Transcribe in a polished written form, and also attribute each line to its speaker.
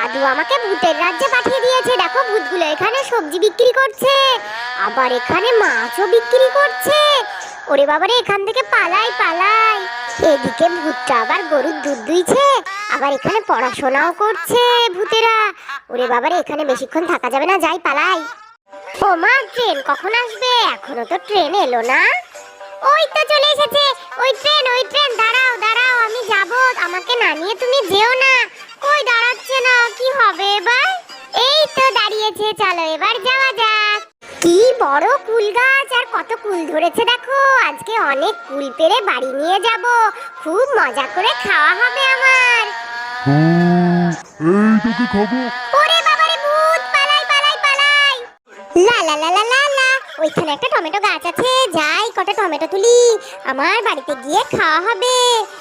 Speaker 1: দাদু আমাকে ভূতের রাজ্যে পাঠিয়ে দিয়েছে। দেখো ভূতগুলো এখানে সবজি বিক্রি করছে, আবার এখানে মাছও বিক্রি করছে। ওরে বাবারে, এখান থেকে পালাই পালাই। এদিকে ভূতটা আবার গরুর দুধ দুইছে, আবার এখানে পড়াশোনাও করছে ভূতেরা। ওরে বাবারে, এখানে বেশিক্ষণ থাকা যাবে না, যাই পালাই। ও মা, ট্রেন কখন আসবে? এখনো তো ট্রেন এলো না। ওই তো চলে এসেছে ওই ট্রেন। দাঁড়াও দাঁড়াও, আমি যাব, আমাকে না নিয়ে তুমি যেও না। কই দাঁড়াচ্ছে না, কি হবে এবার? এই তো দাঁড়িয়েছে, চলো এবার যাওয়া যাক। কি বড় কুল গাছ, আর কত কুল ধরেছে দেখো। আজকে অনেক কুল পেড়ে বাড়ি নিয়ে যাব, খুব মজা করে খাওয়া হবে আমার।
Speaker 2: এই তোকে খাবো।
Speaker 1: ওরে বাবারে ভূত, পালাই পালাই পালাই। লা লা লা লা লা লা, ওইখানে একটা টমেটো গাছ আছে, যাই কটা টমেটো তুলি, আমার বাড়িতে গিয়ে খাওয়া হবে।